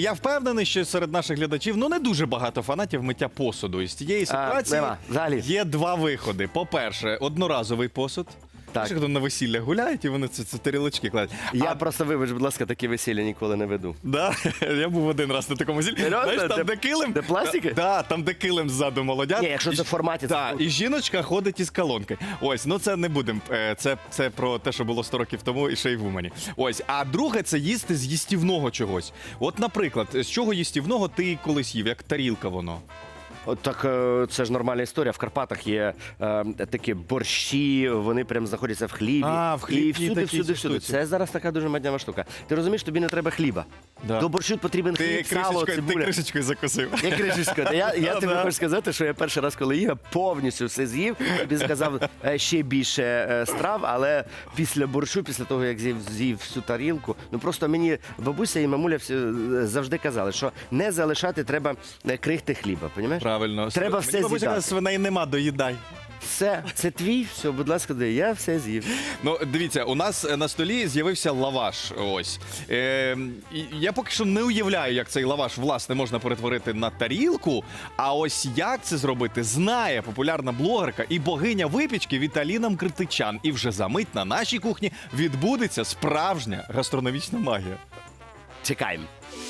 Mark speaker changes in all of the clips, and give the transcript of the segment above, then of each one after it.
Speaker 1: я впевнений, що серед наших глядачів не дуже багато фанатів миття посуду. І з цієї ситуації є два виходи. По-перше, одноразовий посуд.
Speaker 2: Так.
Speaker 1: Хто на весілля гуляють і вони це тарілочки кладуть.
Speaker 2: Я просто, вибач, будь ласка, такі весілля ніколи не веду.
Speaker 1: Да? Я був один раз на такому весіллі. Знаєш, там де килим.
Speaker 2: Де пластики?
Speaker 1: Да, там де килим ззаду молодят.
Speaker 2: Ні, якщо це в форматі.
Speaker 1: Так, і жіночка ходить із колонки. Ось, ну це не будемо. Це про те, що було 100 років тому і ще й в Умані. Ось, а друге, це їсти з їстівного чогось. От, наприклад, з чого їстівного ти колись їв, як тарілка воно?
Speaker 2: От так, це ж нормальна історія. В Карпатах є такі борщі, вони прям знаходяться в хлібі.
Speaker 1: А, в хлібі
Speaker 2: і всюди,
Speaker 1: такі
Speaker 2: всюди.
Speaker 1: штуці.
Speaker 2: Це зараз така дуже моднява штука. Ти розумієш, тобі не треба хліба.
Speaker 1: Да.
Speaker 2: До борщу потрібен хліб, сало,
Speaker 1: Ти
Speaker 2: цибуля.
Speaker 1: кришечкою закусив.
Speaker 2: Я кришечка. Я тобі хочу сказати, що я перший раз, коли їв, я повністю все з'їв. Тобі сказав ще більше страв, але після борщу, після того, як з'їв всю тарілку, ну просто мені бабуся і мамуля завжди казали, що не залишати треба крихти хліба, розумієш?
Speaker 1: Правильно.
Speaker 2: Треба все
Speaker 1: Мені бабуся
Speaker 2: з'їдати.
Speaker 1: каже, свиней нема, доїдай.
Speaker 2: Все, це твій, все, будь ласка, я все з'їв.
Speaker 1: Ну, дивіться, у нас на столі з'явився лаваш. Ось. І я поки що не уявляю, як цей лаваш, власне, можна перетворити на тарілку. А ось як це зробити, знає популярна блогерка і богиня випічки Віталіна Мкртичан. І вже за мить на нашій кухні відбудеться справжня гастрономічна магія.
Speaker 2: Чекаємо.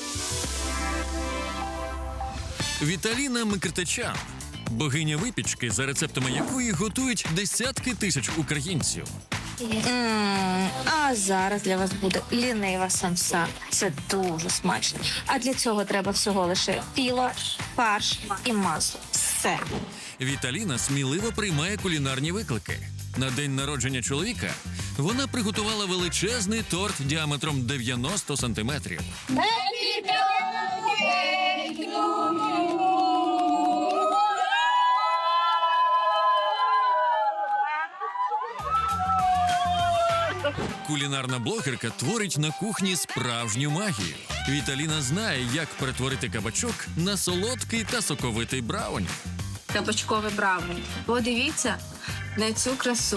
Speaker 3: Віталіна Мкртичан. Богиня випічки, за рецептами якої готують десятки тисяч українців.
Speaker 4: А зараз для вас буде лінива самса. Це дуже смачно. А для цього треба всього лише піло, фарш і масло. Все.
Speaker 3: Віталіна сміливо приймає кулінарні виклики. На день народження чоловіка вона приготувала величезний торт діаметром 90 сантиметрів. Кулінарна блогерка творить на кухні справжню магію. Віталіна знає, як перетворити кабачок на солодкий та соковитий брауні.
Speaker 5: Кабачкове брауні. Подивіться на цю красу.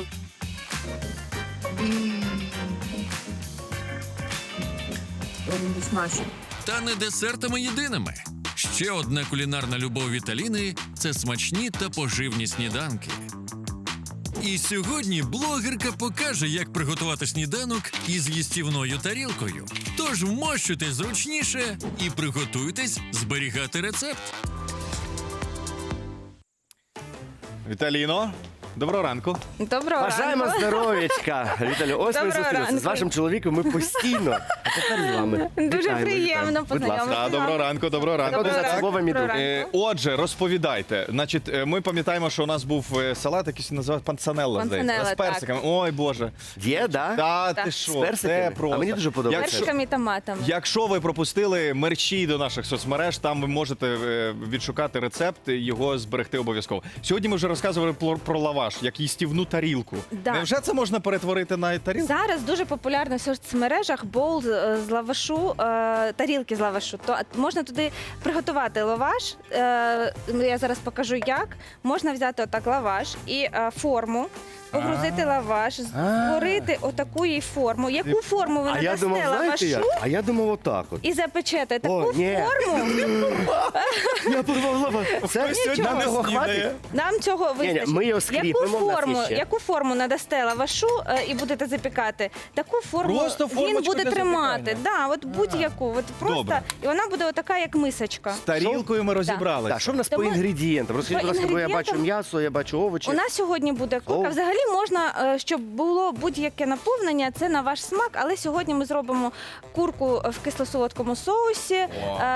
Speaker 5: Смачно.
Speaker 3: Та не десертами єдиними. Ще одна кулінарна любов Віталіни – це смачні та поживні сніданки. І сьогодні блогерка покаже, як приготувати сніданок із їстівною тарілкою. Тож вмощуйтесь зручніше і приготуйтесь зберігати рецепт.
Speaker 1: Віталіно, доброго ранку.
Speaker 4: Доброго
Speaker 2: Бажаємо
Speaker 4: ранку.
Speaker 2: здоров'ячка. Віталію, ось ми
Speaker 4: Доброго
Speaker 2: зустрілися. З
Speaker 4: ранку.
Speaker 2: вашим чоловіком ми постійно. А тепер з вами.
Speaker 4: Дуже
Speaker 2: Вітаємо,
Speaker 4: приємно
Speaker 2: вітаємо. Будь ласка.
Speaker 4: познайомитися.
Speaker 1: Доброго ранку, доброго ранку.
Speaker 4: Доброго
Speaker 2: Одне
Speaker 4: ранку.
Speaker 2: слово, мій друг.
Speaker 4: Доброго ранку.
Speaker 1: Отже, розповідайте. Значить, ми пам'ятаємо, що у нас був салат, який називав панцанелла, здається.
Speaker 4: Панцанелла,
Speaker 1: З персиками. Ой, Боже.
Speaker 2: Є, да?
Speaker 1: Та
Speaker 4: Так.
Speaker 1: ти
Speaker 2: З
Speaker 1: що,
Speaker 2: персиками?
Speaker 1: це просто.
Speaker 2: А мені дуже подобається.
Speaker 4: Персиками і томатами.
Speaker 1: Якщо ви пропустили мерчі до наших соцмереж, там ви можете відшукати рецепт, його зберегти обов'язково. Сьогодні ми вже розказували про лаваш, як їстівну тарілку.
Speaker 4: Да.
Speaker 1: Невже це можна перетворити на тарілку?
Speaker 4: Зараз дуже популярно в соцмережах боул з лавашу, тарілки з лавашу. То можна туди приготувати лаваш. Я зараз покажу як. Можна взяти отак лаваш і форму, погрузити лаваш, створити отаку їй форму. Яку форму ви
Speaker 2: А я
Speaker 4: надасте
Speaker 2: думав, знаєте як?
Speaker 4: лавашу
Speaker 2: А я думав отак от.
Speaker 4: і запечете таку
Speaker 2: О, ні.
Speaker 4: форму.
Speaker 2: Я порвав лаваш. Це
Speaker 1: Хтось сьогодні
Speaker 2: нам
Speaker 1: не
Speaker 2: того
Speaker 1: снідає.
Speaker 2: хватить?
Speaker 4: Нам цього
Speaker 2: Ні,
Speaker 4: вистачить.
Speaker 2: ми його скріпимо, в нас є ще.
Speaker 4: Яку форму надасте лавашу і будете запікати, таку форму
Speaker 1: Просто
Speaker 4: він
Speaker 1: формочку
Speaker 4: буде
Speaker 1: для
Speaker 4: тримати.
Speaker 1: запікання.
Speaker 4: Да, от будь-яку. От просто,
Speaker 1: Добре.
Speaker 4: і вона буде отака, як мисочка.
Speaker 1: З тарілкою ми розібралися.
Speaker 2: Так, що в нас по
Speaker 4: Тому-
Speaker 2: інгредієнтам? Розкажіть,
Speaker 4: По
Speaker 2: будь ласка, бо я бачу
Speaker 4: інгредієнтам-
Speaker 2: м'ясо, я бачу овочі.
Speaker 4: У нас сьогодні буде курка.
Speaker 2: О.
Speaker 4: Взагалі можна, щоб було будь-яке наповнення, це на ваш смак, але сьогодні ми зробимо курку в кисло-солодкому соусі,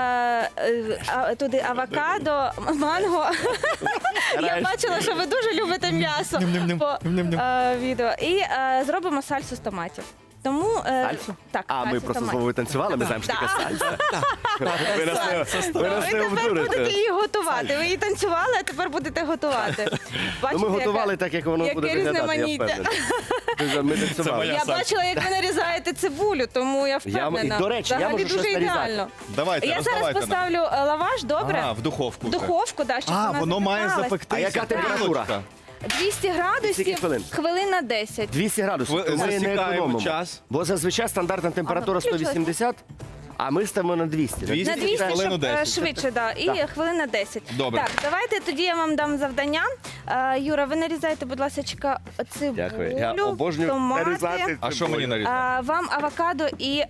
Speaker 4: туди авокадо, манго. Я бачила, що ви дуже любите м'ясо по відео. І зробимо сальсу з томатів. Тому
Speaker 2: Сальсу?
Speaker 4: так,
Speaker 2: А, ми
Speaker 4: сальсу з
Speaker 2: просто з
Speaker 4: томатів.
Speaker 2: Вовою танцювали, ми знаємо, що таке сальса. Ви нас
Speaker 4: Ви
Speaker 2: не
Speaker 4: тепер будете
Speaker 2: обдурите.
Speaker 4: її готувати. Ви її танцювали, а тепер будете готувати.
Speaker 2: Ну,
Speaker 4: Бачите,
Speaker 2: ми готували
Speaker 4: яка-
Speaker 2: так, як воно
Speaker 4: яке
Speaker 2: буде виглядати, я
Speaker 4: різноманіття.
Speaker 2: впевнений. Ми танцювали.
Speaker 1: моя
Speaker 4: Я
Speaker 1: сальса.
Speaker 4: бачила, як ви нарізаєте цибулю, тому я впевнена.
Speaker 2: І, до речі, я
Speaker 4: Взагалі
Speaker 2: можу
Speaker 4: дуже
Speaker 2: щось нарізати.
Speaker 4: ідеально.
Speaker 1: Давайте,
Speaker 4: Я зараз
Speaker 1: роздавайте нам.
Speaker 4: поставлю лаваш, добре?
Speaker 1: А, в духовку.
Speaker 4: В
Speaker 1: вже.
Speaker 4: духовку, да, щоб
Speaker 1: А,
Speaker 4: вона
Speaker 1: воно має
Speaker 4: запікалась.
Speaker 1: запектися.
Speaker 2: А яка температура?
Speaker 1: Тарілочка.
Speaker 4: 200
Speaker 2: Скільки
Speaker 4: градусів,
Speaker 2: хвилин?
Speaker 4: хвилин на 10.
Speaker 2: 200 градусів.
Speaker 1: Ви
Speaker 2: То ми не
Speaker 1: засікаємо
Speaker 2: економимо.
Speaker 1: час.
Speaker 2: Бо зазвичай стандартна температура
Speaker 4: Ага,
Speaker 2: 180, А ми ставимо на 200.
Speaker 1: 200?
Speaker 4: На 200,
Speaker 1: Хвилину
Speaker 4: щоб
Speaker 1: 10.
Speaker 4: швидше, да. І
Speaker 2: Так.
Speaker 4: хвилин на 10.
Speaker 1: Добре.
Speaker 4: Так, давайте тоді я вам дам завдання. Юра, ви нарізайте, будь ласка, цибулю,
Speaker 2: Дякую. Я обожнюю
Speaker 4: томати.
Speaker 2: нарізати.
Speaker 1: А що мені нарізати?
Speaker 4: Вам авокадо і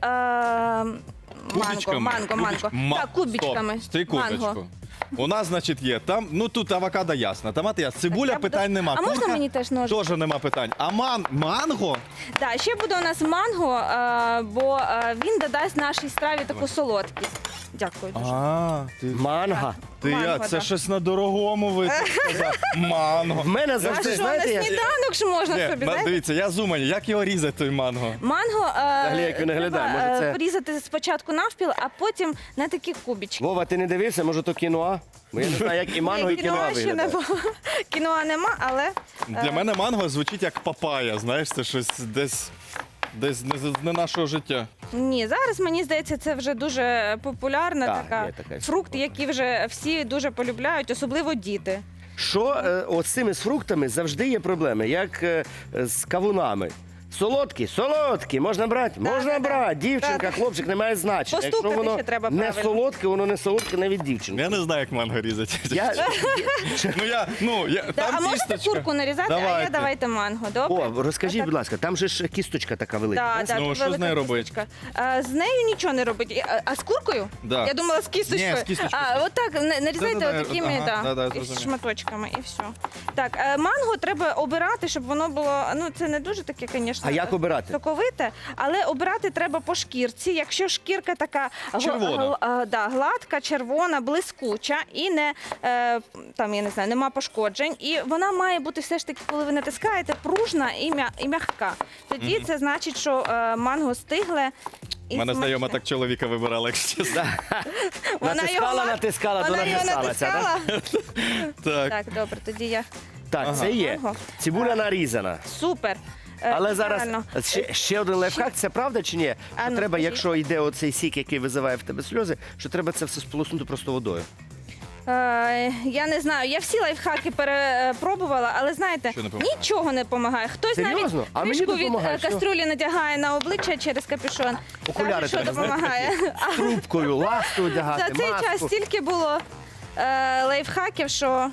Speaker 4: манго. Так, кубічками.
Speaker 1: Стрікуточку.
Speaker 4: Манго.
Speaker 1: У нас, значить, є там, ну тут авокадо ясно, томати ясно, цибуля
Speaker 4: я буду-
Speaker 1: питань нема.
Speaker 4: А можна
Speaker 1: Курка
Speaker 4: мені теж ножик?
Speaker 1: теж нема питань. А манго?
Speaker 4: Так, ще буде у нас манго, бо він додасть нашій страві таку солодкість. Дякую дуже.
Speaker 2: Манго.
Speaker 4: Манго,
Speaker 1: Це
Speaker 4: да.
Speaker 1: щось на дорогому ви тут сказав. Манго.
Speaker 2: В мене
Speaker 4: А
Speaker 2: завжди,
Speaker 4: що,
Speaker 2: знаєте,
Speaker 4: на
Speaker 2: я...
Speaker 4: сніданок ж можна собі, знаєте?
Speaker 1: Дивіться, я з Умані, як його різати, той манго?
Speaker 4: Манго
Speaker 2: як він виглядає,
Speaker 4: треба
Speaker 2: може, це-
Speaker 4: порізати спочатку навпіл, а потім на такі кубічки.
Speaker 2: Вова, ти не дивився, може то кіноа? Бо я не знаю, як і манго, і кіноа
Speaker 4: Кіноа ще
Speaker 2: виглядає.
Speaker 4: нема. Кіноа нема, але
Speaker 1: Для мене манго звучить як папая, знаєш, це щось десь не нашого життя.
Speaker 4: ні, зараз мені здається, це вже дуже популярна
Speaker 2: Так,
Speaker 4: така
Speaker 2: є така
Speaker 4: фрукт,
Speaker 2: історія.
Speaker 4: який вже всі дуже полюбляють, особливо діти.
Speaker 2: Що от з цими з фруктами завжди є проблеми, як з кавунами. Солодкі, можна брати? Можна
Speaker 4: так,
Speaker 2: брати.
Speaker 4: так.
Speaker 2: Дівчинка,
Speaker 4: Так.
Speaker 2: хлопчик, немає значення. Якщо
Speaker 4: Постукати
Speaker 2: воно
Speaker 4: ще треба
Speaker 2: не
Speaker 4: правильно.
Speaker 2: солодке, воно не солодке навіть дівчинка.
Speaker 1: Я не знаю, як манго різати.
Speaker 2: Я...
Speaker 4: А
Speaker 1: там
Speaker 4: можете
Speaker 1: кісточка.
Speaker 4: курку нарізати, а я
Speaker 1: Давайте.
Speaker 4: давайте манго, добре?
Speaker 2: О, розкажіть,
Speaker 4: Отак.
Speaker 2: будь ласка, там же ж кісточка така велика.
Speaker 4: Да,
Speaker 2: да?
Speaker 4: да,
Speaker 1: Ну,
Speaker 4: тут
Speaker 1: що з
Speaker 4: велика
Speaker 1: нею робить?
Speaker 4: кісточка. З нею нічого не робить. А з куркою?
Speaker 1: Да.
Speaker 4: Я думала, з кісточкою.
Speaker 1: Ні, з кісточкою.
Speaker 4: Отак, нарізайте
Speaker 1: Да-да-да,
Speaker 4: такими
Speaker 1: ага, да,
Speaker 4: із
Speaker 1: зрозумів.
Speaker 4: шматочками і все. Так, манго треба обирати, щоб воно було, ну це не дуже таке, звісно.
Speaker 2: А як обирати?
Speaker 4: Соковите, але обирати треба по шкірці. Якщо шкірка така
Speaker 1: Червона.
Speaker 4: гладка, червона, блискуча і не там, я не знаю, нема пошкоджень. І вона має бути все ж таки, коли ви натискаєте, пружна і м'яка. Тоді це значить, що манго стигле. І
Speaker 1: У мене
Speaker 4: смачне.
Speaker 1: знайома так чоловіка вибирала, якщо чесно.
Speaker 2: Натискала, то
Speaker 4: вона його
Speaker 2: натискалася. да?
Speaker 4: натискала.
Speaker 1: Так.
Speaker 4: Так, добре, тоді я.
Speaker 2: Так, це є.
Speaker 4: Манго.
Speaker 2: Цибуля нарізана.
Speaker 4: Супер.
Speaker 2: Але зараз
Speaker 4: Правильно.
Speaker 2: ще один лайфхак, це правда чи ні?
Speaker 4: А,
Speaker 2: Що
Speaker 4: ну,
Speaker 2: треба,
Speaker 4: скажіть.
Speaker 2: якщо йде оцей сік, який визиває в тебе сльози, що треба це все сполоснути просто водою.
Speaker 4: Я не знаю, я всі лайфхаки перепробувала, але знаєте,
Speaker 1: Що не помагає?
Speaker 4: нічого не допомагає. Хтось
Speaker 2: Серйозно?
Speaker 4: навіть
Speaker 2: А мені
Speaker 4: кришку від
Speaker 2: допомагає, що?
Speaker 4: каструлі надягає на обличчя через капюшон.
Speaker 2: Окуляри
Speaker 4: Каже, що
Speaker 2: треба, знаєте,
Speaker 4: допомагає. А
Speaker 2: Трубкою, ласту одягати,
Speaker 4: за цей
Speaker 2: маску.
Speaker 4: час стільки було лайфхаків, що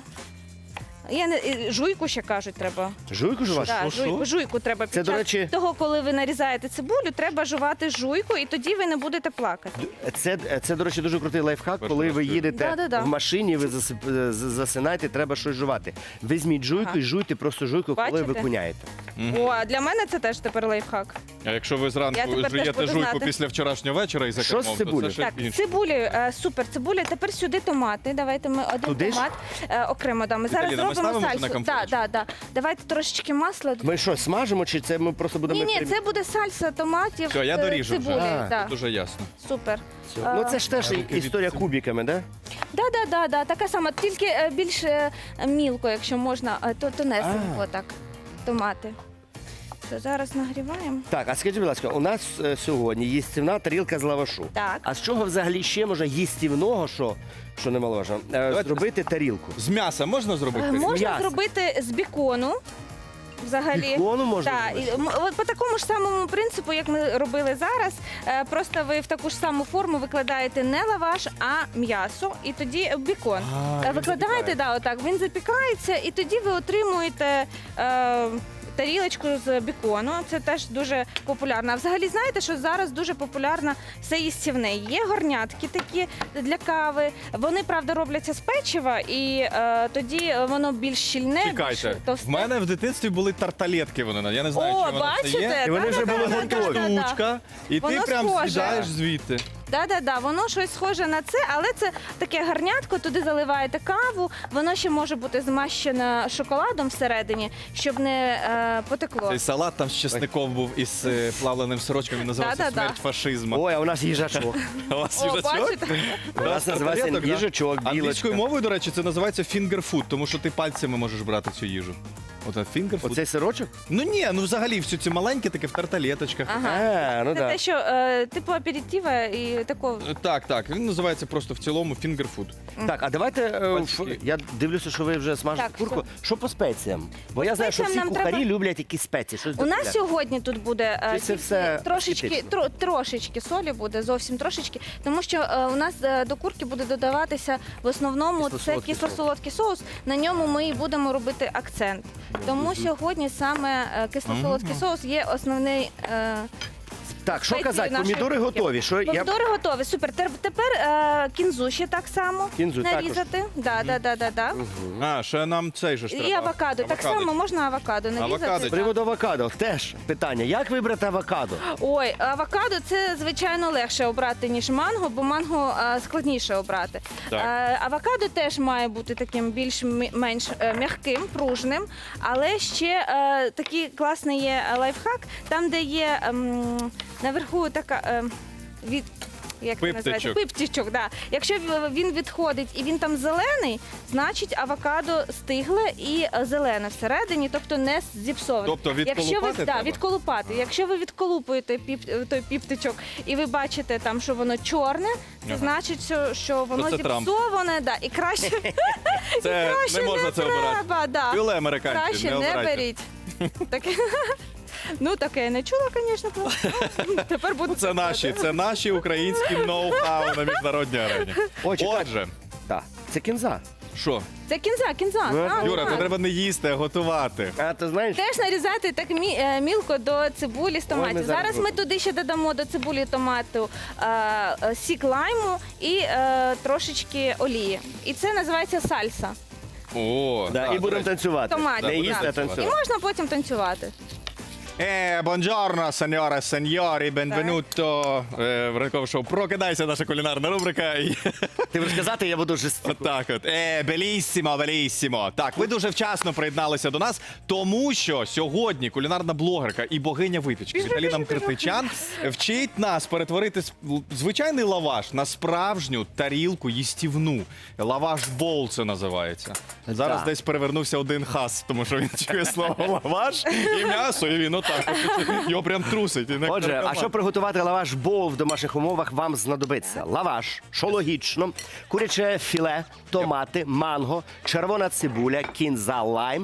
Speaker 4: і жуйку ще кажуть треба.
Speaker 2: Жуйку жувати?
Speaker 4: Да, жуйку треба
Speaker 2: Це,
Speaker 4: під
Speaker 2: до
Speaker 4: час
Speaker 2: речі-
Speaker 4: того, коли ви нарізаєте цибулю, треба жувати жуйку, і тоді ви не будете плакати.
Speaker 2: Це, до речі, дуже крутий лайфхак,
Speaker 1: Перший
Speaker 2: коли
Speaker 1: раз
Speaker 2: ви
Speaker 1: чую.
Speaker 2: їдете
Speaker 4: Да-да-да.
Speaker 2: в машині, ви засинаєте, треба щось жувати. Візьміть жуйку і жуйте просто жуйку, коли ви
Speaker 4: Бачите?
Speaker 2: куняєте.
Speaker 4: О, а для мене це теж тепер лайфхак.
Speaker 1: А якщо ви
Speaker 4: Я
Speaker 1: зранку
Speaker 4: тепер теж
Speaker 1: жуєте
Speaker 4: буду
Speaker 1: жуйку
Speaker 4: знати.
Speaker 1: після вчорашнього вечора і за
Speaker 2: Що з
Speaker 1: кермом, то
Speaker 2: цибулею?
Speaker 1: це ще
Speaker 4: Так,
Speaker 1: інше.
Speaker 4: цибулі, супер, цибуля. Тепер сюди томати. Давайте ми один
Speaker 2: Туди ж?
Speaker 4: томат окремо дамо. Зараз
Speaker 1: Віталіна, ми
Speaker 4: зробимо
Speaker 1: ставимо чи на
Speaker 4: сальсу.
Speaker 1: конфорочку?
Speaker 4: Да. Давайте трошечки масла.
Speaker 2: Ми що, смажимо, чи це ми просто будемо...
Speaker 4: Ні, це буде сальса томатів.
Speaker 1: Все, я
Speaker 4: з
Speaker 1: доріжу вже.
Speaker 4: цибулею.
Speaker 2: А,
Speaker 4: Да.
Speaker 1: Дуже ясно.
Speaker 4: Супер.
Speaker 2: Ну це ж теж
Speaker 1: руки від
Speaker 2: історія
Speaker 1: цибулі.
Speaker 2: кубиками, да?
Speaker 4: Да, така сама, тільки більш мілко, якщо можна, то тонесенько так. Томати. То зараз нагріваємо.
Speaker 2: Так, а скажіть, будь ласка, у нас сьогодні їстівна тарілка з лавашу.
Speaker 4: Так.
Speaker 2: А з чого взагалі ще можна їстівного, що немаловажно, зробити тарілку?
Speaker 1: З м'яса можна зробити?
Speaker 4: Можна
Speaker 2: м'ясо.
Speaker 4: зробити з бікону. Взагалі.
Speaker 2: Бікону можна
Speaker 4: Так,
Speaker 2: зробити?
Speaker 4: от по такому ж самому принципу, як ми робили зараз, просто ви в таку ж саму форму викладаєте не лаваш, а м'ясо, і тоді бікон.
Speaker 1: він
Speaker 4: Викладаєте, отак, він запікається, і тоді ви отримуєте тарілочку з бікону. Це теж дуже популярно. А взагалі знаєте, що зараз дуже популярно все їстівне. Є горнятки такі для кави. Вони, правда, робляться з печива, і тоді воно більш щільне,
Speaker 1: Чекайте,
Speaker 4: більш товсте.
Speaker 1: в мене в дитинстві були тарталетки, вони, я не знаю,
Speaker 4: О,
Speaker 1: чи воно це
Speaker 4: бачите?
Speaker 1: є.
Speaker 2: І вони вже були
Speaker 4: Да-да-да,
Speaker 2: готові.
Speaker 4: да-да-да.
Speaker 1: Штучка, і ти
Speaker 4: Воно
Speaker 1: прям
Speaker 4: схоже.
Speaker 1: з'їдаєш звідти.
Speaker 4: Воно щось схоже на це, але це таке гарнятко, туди заливаєте каву, воно ще може бути змащене шоколадом всередині, щоб не потекло.
Speaker 1: Цей салат там з чесником був із плавленим сирочком, він називався
Speaker 4: Да-да-да.
Speaker 1: «Смерть фашизму».
Speaker 2: Ой, а у нас їжачок.
Speaker 1: А у вас
Speaker 4: О,
Speaker 1: їжачок?
Speaker 4: бачите?
Speaker 2: У нас називається
Speaker 1: Тарталеток, да?
Speaker 2: їжачок, білочка.
Speaker 1: Англійською мовою, до речі, це називається finger food, тому що ти пальцями можеш брати цю їжу. Оце фінгерфуд.
Speaker 2: Оцей сирочок?
Speaker 1: Ну ні, ну взагалі всі ці маленькі такі в тарталеточках.
Speaker 4: Ага.
Speaker 2: Ну
Speaker 4: Це
Speaker 2: так.
Speaker 4: те, що типу аперитива і такого.
Speaker 1: Так. Він називається просто в цілому фінгерфуд.
Speaker 2: Так, а давайте,
Speaker 1: Пальчики.
Speaker 2: я дивлюся, що ви вже смажите
Speaker 4: Так,
Speaker 2: курку. Що по спеціям? Бо я знаю, що всі
Speaker 4: спеціям нам
Speaker 2: кухарі
Speaker 4: треба-
Speaker 2: люблять якісь спеції. Щось
Speaker 4: У нас
Speaker 2: додати.
Speaker 4: сьогодні тут буде
Speaker 2: Чи це
Speaker 4: тільки
Speaker 2: все
Speaker 4: трошечки,
Speaker 2: естетично?
Speaker 4: трошечки солі буде, зовсім трошечки, тому що у нас до курки буде додаватися в основному це
Speaker 2: Кисло-солодкий
Speaker 4: кисло-солодкий соус. На ньому ми і будемо робити акцент. Тому сьогодні саме кисло-солодкий соус є основний.
Speaker 2: Так, що
Speaker 4: спеції
Speaker 2: казати,
Speaker 4: нашої
Speaker 2: помідори
Speaker 4: кухні.
Speaker 2: готові. Що я...
Speaker 4: Помідори готові, супер. Тепер кінзу ще так само
Speaker 2: Кінзу також?
Speaker 4: нарізати. Да.
Speaker 1: А, ще нам цей же ж треба.
Speaker 4: І авокадо. Так само можна авокадо нарізати.
Speaker 1: Авокадо.
Speaker 2: З приводу авокадо, теж питання. Як вибрати авокадо?
Speaker 4: Ой, авокадо це звичайно легше обрати, ніж манго, бо манго складніше обрати.
Speaker 1: Так.
Speaker 4: Авокадо теж має бути таким більш-менш м'яким, пружним, але ще такий класний є лайфхак, там, де є наверху така від. Як це називається?
Speaker 1: Пиптичок.
Speaker 4: Пиптичок, да. Якщо він відходить і він там зелений, значить авокадо стигле і зелене всередині, тобто не зіпсоване.
Speaker 1: Тобто відколупати
Speaker 4: Якщо ви,
Speaker 1: треба?
Speaker 4: відколупати. Якщо ви відколупуєте той піптичок і ви бачите там, що воно чорне, це
Speaker 1: Ага.
Speaker 4: значить, що воно
Speaker 1: це Трамп.
Speaker 4: зіпсоване, да, і краще,
Speaker 1: Це
Speaker 4: краще
Speaker 1: не можна це обирати.
Speaker 4: треба, да.
Speaker 1: Пюле американців,
Speaker 4: Краще
Speaker 1: не
Speaker 4: не
Speaker 1: обирайте.
Speaker 4: беріть. Таке. Ну, таке я не чула, звісно. Тепер буду
Speaker 1: Це наші українські ноу-хау на міжнародній арені.
Speaker 2: Ой, чекай.
Speaker 1: Отже,
Speaker 2: Так, це кінза.
Speaker 1: що?
Speaker 4: Це кінза.
Speaker 2: Ну,
Speaker 1: Юра, це треба не їсти, а готувати.
Speaker 2: А ти знаєш?
Speaker 4: Теж нарізати так мілко до цибулі з
Speaker 2: Ой, ми
Speaker 4: томатів.
Speaker 2: зараз
Speaker 4: Зараз ми
Speaker 2: робимо.
Speaker 4: туди ще додамо до цибулі томату сік лайму і трошечки олії. І це називається сальса.
Speaker 1: О,
Speaker 2: Да,
Speaker 1: так,
Speaker 2: і
Speaker 1: до
Speaker 2: будемо
Speaker 1: речі.
Speaker 2: танцювати.
Speaker 4: Томатів,
Speaker 2: Не їсти, а
Speaker 4: так. І
Speaker 2: танцювати.
Speaker 4: можна потім танцювати.
Speaker 1: Buongiorno, signore e signori, benvenuto в ранкове шоу «Прокидайся», наша кулінарна рубрика. І
Speaker 2: Ти будеш казати, я буду жестикувати.
Speaker 1: отак от. Беліссімо, беліссімо. Так, ви дуже вчасно приєдналися до нас, тому що сьогодні кулінарна блогерка і богиня випічки Віталіна Мкртичан вчить нас перетворити звичайний лаваш на справжню тарілку їстівну. Лаваш-бол це називається. Зараз
Speaker 2: Так.
Speaker 1: десь перевернувся один хас, тому що він чує слово лаваш і м'ясо, і він отак. Його прям трусить. І не
Speaker 2: Отже, а
Speaker 1: каркоман.
Speaker 2: щоб приготувати лаваш бол в домашніх умовах, вам знадобиться лаваш, що логічно, куряче філе, томати, манго, червона цибуля, кінза, лайм,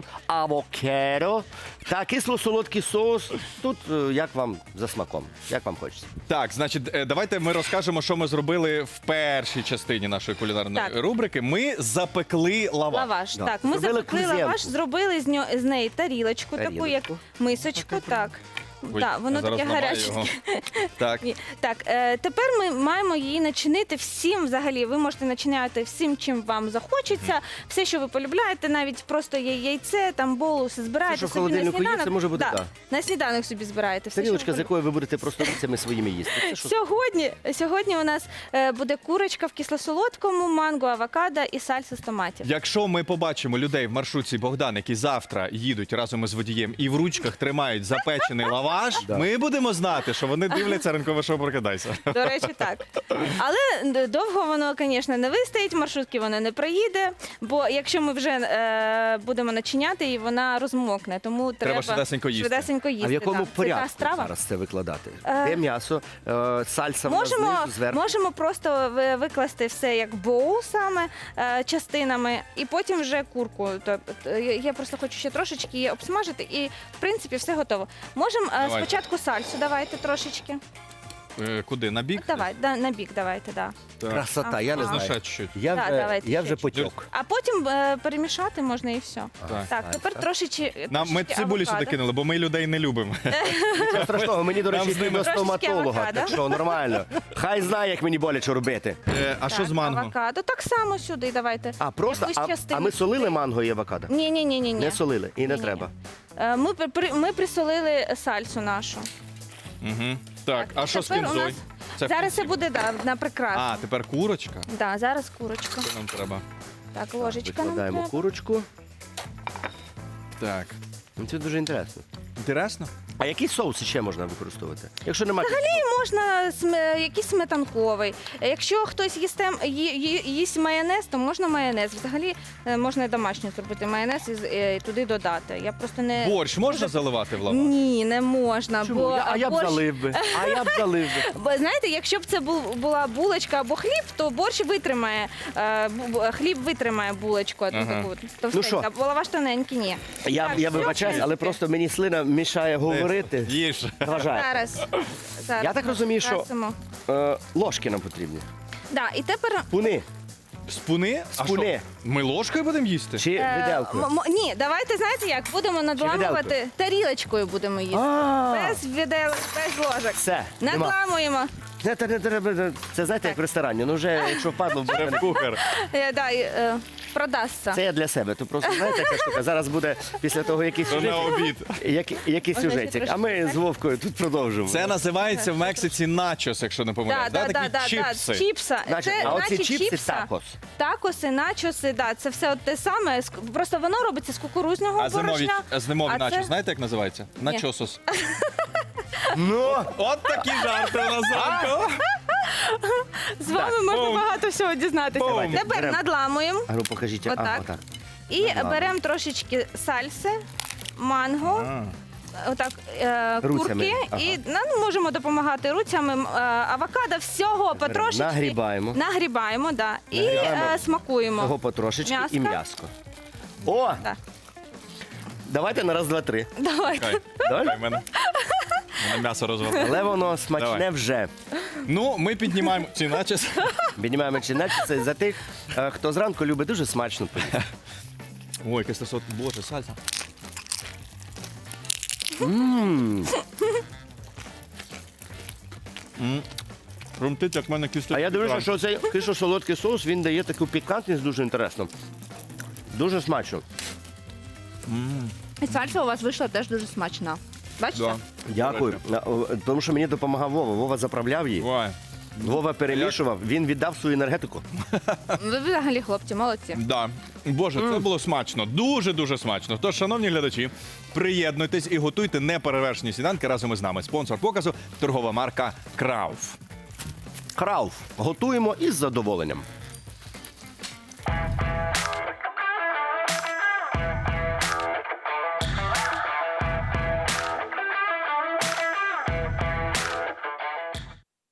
Speaker 2: авокадо та кисло-солодкий соус. Тут як вам за смаком, як вам хочеться.
Speaker 1: Так, значить, давайте ми розкажемо, що ми зробили в першій частині нашої кулінарної
Speaker 4: Так.
Speaker 1: рубрики. Ми запекли лаваш.
Speaker 4: Лаваш.
Speaker 2: Да.
Speaker 4: Так, ми
Speaker 2: Зробили
Speaker 4: запекли
Speaker 2: кузенку.
Speaker 4: лаваш, зробили з неї тарілочку, таку як
Speaker 2: Тарілочку.
Speaker 4: мисочку. Так.
Speaker 1: Ой,
Speaker 4: Так, воно
Speaker 1: зараз
Speaker 4: таке
Speaker 1: ламаю
Speaker 4: гаряче.
Speaker 1: його. Так.
Speaker 4: Ні. Так, тепер ми маємо її начинити всім взагалі. Ви можете начиняти всім, чим вам захочеться. Все, що ви полюбляєте, навіть просто є яйце, там болу, все збираєте
Speaker 2: Все, що в
Speaker 4: собі на
Speaker 2: холодильнику є,
Speaker 4: сніданок.
Speaker 2: це може бути,
Speaker 4: Да,
Speaker 2: так.
Speaker 4: на сніданок собі збираєте. Все,
Speaker 2: Тарілочка,
Speaker 4: що
Speaker 2: з
Speaker 4: ви
Speaker 2: якою ви будете просто руцями своїми їсти. Це що?
Speaker 4: Сьогодні у нас буде курочка в кисло-солодкому, манго, авокадо і сальса з томатів.
Speaker 1: Якщо ми побачимо людей в маршрутці Богдан, які завтра їдуть разом із водієм і в ручках тримають запечений лаваш, ми будемо знати, що вони дивляться ранкове шоу «Прокидайся».
Speaker 4: До речі, так. Але довго воно, звісно, не вистоїть, маршрутки воно не проїде, бо якщо ми вже будемо начиняти, і вона розмокне, тому треба
Speaker 1: швидесенько їсти.
Speaker 4: швидесенько їсти.
Speaker 2: А в якому
Speaker 4: так. Це та
Speaker 2: порядку
Speaker 4: страва.
Speaker 2: зараз це викладати? Де м'ясо, сальса
Speaker 4: Можемо,
Speaker 2: знизу, зверху?
Speaker 4: можемо просто викласти все як боул саме частинами, і потім вже курку. Тобто, я просто хочу ще трошечки її обсмажити, і в принципі все готово. Можемо
Speaker 1: Давайте.
Speaker 4: спочатку сальсу давайте трошечки.
Speaker 1: Куди? На бік?
Speaker 4: Давай, на бік давайте, да.
Speaker 1: Так.
Speaker 2: Красота, я не
Speaker 4: Ага.
Speaker 2: знаю.
Speaker 1: Ще чуть-чуть.
Speaker 2: Я
Speaker 4: Да,
Speaker 2: вже,
Speaker 4: давайте
Speaker 2: я
Speaker 4: ще
Speaker 2: вже
Speaker 4: чуть-чуть.
Speaker 2: потік.
Speaker 4: А потім перемішати можна і все. Так, тепер трошечки.
Speaker 1: Ми цибулі сюди кинули, бо ми людей не любимо.
Speaker 2: Нічого страшного, мені, до
Speaker 1: Там
Speaker 2: речі,
Speaker 1: з
Speaker 2: йти
Speaker 1: ними
Speaker 2: до
Speaker 4: трошечки
Speaker 2: стоматолога,
Speaker 4: авокадо.
Speaker 2: так що нормально. Хай знає, як мені боляче робити.
Speaker 1: А що з манго?
Speaker 4: Авокадо. Так само сюди давайте.
Speaker 2: А просто,
Speaker 4: Якусь
Speaker 2: а
Speaker 4: частину
Speaker 2: ми солили
Speaker 4: сюди.
Speaker 2: манго і авокадо?
Speaker 4: Ні.
Speaker 2: Не солили і не
Speaker 4: Ні-ні.
Speaker 2: треба.
Speaker 4: Ми присолили сальсу нашу.
Speaker 1: Угу. Так, а що з
Speaker 4: Тепер у
Speaker 1: кінзою?
Speaker 4: нас-
Speaker 1: Це в
Speaker 4: Зараз це
Speaker 1: кінці.
Speaker 4: буде на прикрасу.
Speaker 1: А, тепер курочка.
Speaker 4: Да, зараз курочка.
Speaker 1: Що нам треба?
Speaker 4: Так, ложечка нам
Speaker 2: Викладаємо
Speaker 4: треба.
Speaker 2: курочку.
Speaker 1: Так.
Speaker 2: Ну, це дуже інтересно.
Speaker 1: Інтересно?
Speaker 2: А які соуси ще можна використовувати? Якщо немає
Speaker 4: можна якийсь сметанковий. Якщо хтось їсть майонез, то можна майонез. Взагалі можна і домашній зробити майонез і туди додати. Я просто не...
Speaker 1: Борщ можна заливати в лаваш?
Speaker 4: Ні, не можна.
Speaker 2: Чому?
Speaker 4: Бо
Speaker 2: А я б
Speaker 4: борщ-
Speaker 2: залив би. А я б залив би.
Speaker 4: Бо знаєте, якщо б це була булочка або хліб, то борщ витримає, хліб витримає булочку. Таку товстеньку,
Speaker 2: що?
Speaker 4: а лаваш тоненький, ні.
Speaker 2: Я
Speaker 4: Так, все,
Speaker 2: вибачаюсь,
Speaker 4: в
Speaker 2: але
Speaker 4: принципі.
Speaker 2: просто мені слина мішає говорити.
Speaker 1: Їж.
Speaker 2: Заважає.
Speaker 4: Зараз
Speaker 2: Я так розумію, що
Speaker 4: красимо.
Speaker 2: ложки нам потрібні.
Speaker 4: Да, і тепер
Speaker 2: Пуни
Speaker 1: Спуни? А
Speaker 2: Спуни.
Speaker 1: що, ми ложкою будемо їсти?
Speaker 2: чи виделкою.
Speaker 4: ні, давайте знаєте як, будемо надламувати тарілочкою будемо їсти.
Speaker 2: А,
Speaker 4: Без віделок, без ложок.
Speaker 2: все, нема.
Speaker 4: Надламуємо.
Speaker 2: Не треба. Це знаєте, як в ресторані. Ну вже, якщо впадло, буде.
Speaker 1: Кухар.
Speaker 4: Продасться.
Speaker 2: Це я для себе. То просто знаєте, яка штука. Зараз буде після того якийсь
Speaker 1: То на
Speaker 2: сюжет.
Speaker 1: обід.
Speaker 2: Якийсь
Speaker 4: Ось,
Speaker 2: сюжетик.
Speaker 4: трошки
Speaker 2: А ми
Speaker 4: так.
Speaker 2: з Вовкою тут продовжимо.
Speaker 1: Це називається в Мексиці начос, якщо не помиляюсь. Такі чіпси.
Speaker 4: Чіпса.
Speaker 2: Значить,
Speaker 4: Це
Speaker 2: а оці
Speaker 4: наче
Speaker 2: чіпси
Speaker 4: чіпса.
Speaker 2: такос.
Speaker 4: Такоси, начоси, да, це все от те саме. Просто воно робиться з кукурудзяного
Speaker 1: А
Speaker 4: борошна.
Speaker 1: зимові
Speaker 4: а
Speaker 1: начос,
Speaker 4: це-
Speaker 1: знаєте, як називається? Начосос.
Speaker 2: Ну,
Speaker 1: От такі жарти у нас зранку.
Speaker 4: З вами можна
Speaker 1: Бум.
Speaker 4: багато всього дізнатися.
Speaker 1: Бум.
Speaker 4: Тепер
Speaker 2: Берем.
Speaker 4: надламуємо
Speaker 2: а ну покажіть.
Speaker 4: Отак.
Speaker 2: А, отак.
Speaker 4: і
Speaker 2: Надламуємо.
Speaker 4: беремо трошечки сальси, манго. Отак,
Speaker 2: Руцями.
Speaker 4: курки,
Speaker 2: Ага.
Speaker 4: і можемо допомагати руцями, авокадо, всього потрошечки.
Speaker 2: Нагрібаємо.
Speaker 4: Нагрібаємо, да. І
Speaker 2: Нагрібаємо.
Speaker 4: смакуємо.
Speaker 2: Того потрошечки і
Speaker 4: М'яско.
Speaker 2: м'яско. О!
Speaker 4: Так.
Speaker 2: Давайте на раз, два, три.
Speaker 4: Давайте.
Speaker 1: Чекай,
Speaker 2: Давай?
Speaker 1: чекай, мене м'ясо розвалило.
Speaker 2: Але воно смачне
Speaker 1: Давай.
Speaker 2: вже.
Speaker 1: Ну, ми піднімаємо ці начос.
Speaker 2: Піднімаємо чинець. Це за тих, хто зранку любить дуже смачно поїсти.
Speaker 1: Ой, кисло, боже, сальса. Румтить, як в мене кисло.
Speaker 2: А я дивлюся, що цей кисло-солодкий соус, він дає таку пікантність дуже інтересну. Дуже смачно.
Speaker 4: І сальса у вас вийшла теж дуже смачна. Бачите?
Speaker 1: Да.
Speaker 2: Дякую. Тому що мені допомагав Вова. Вова заправляв її.
Speaker 1: Ой.
Speaker 2: Вова перемішував, він віддав свою енергетику.
Speaker 4: Ви взагалі, хлопці, молодці.
Speaker 1: Да. Боже, це було смачно. Дуже-дуже смачно. Тож, шановні глядачі, приєднуйтесь і готуйте неперевершені сніданки разом із нами. Спонсор показу – торгова марка Крауф.
Speaker 2: Крауф. Готуємо із задоволенням.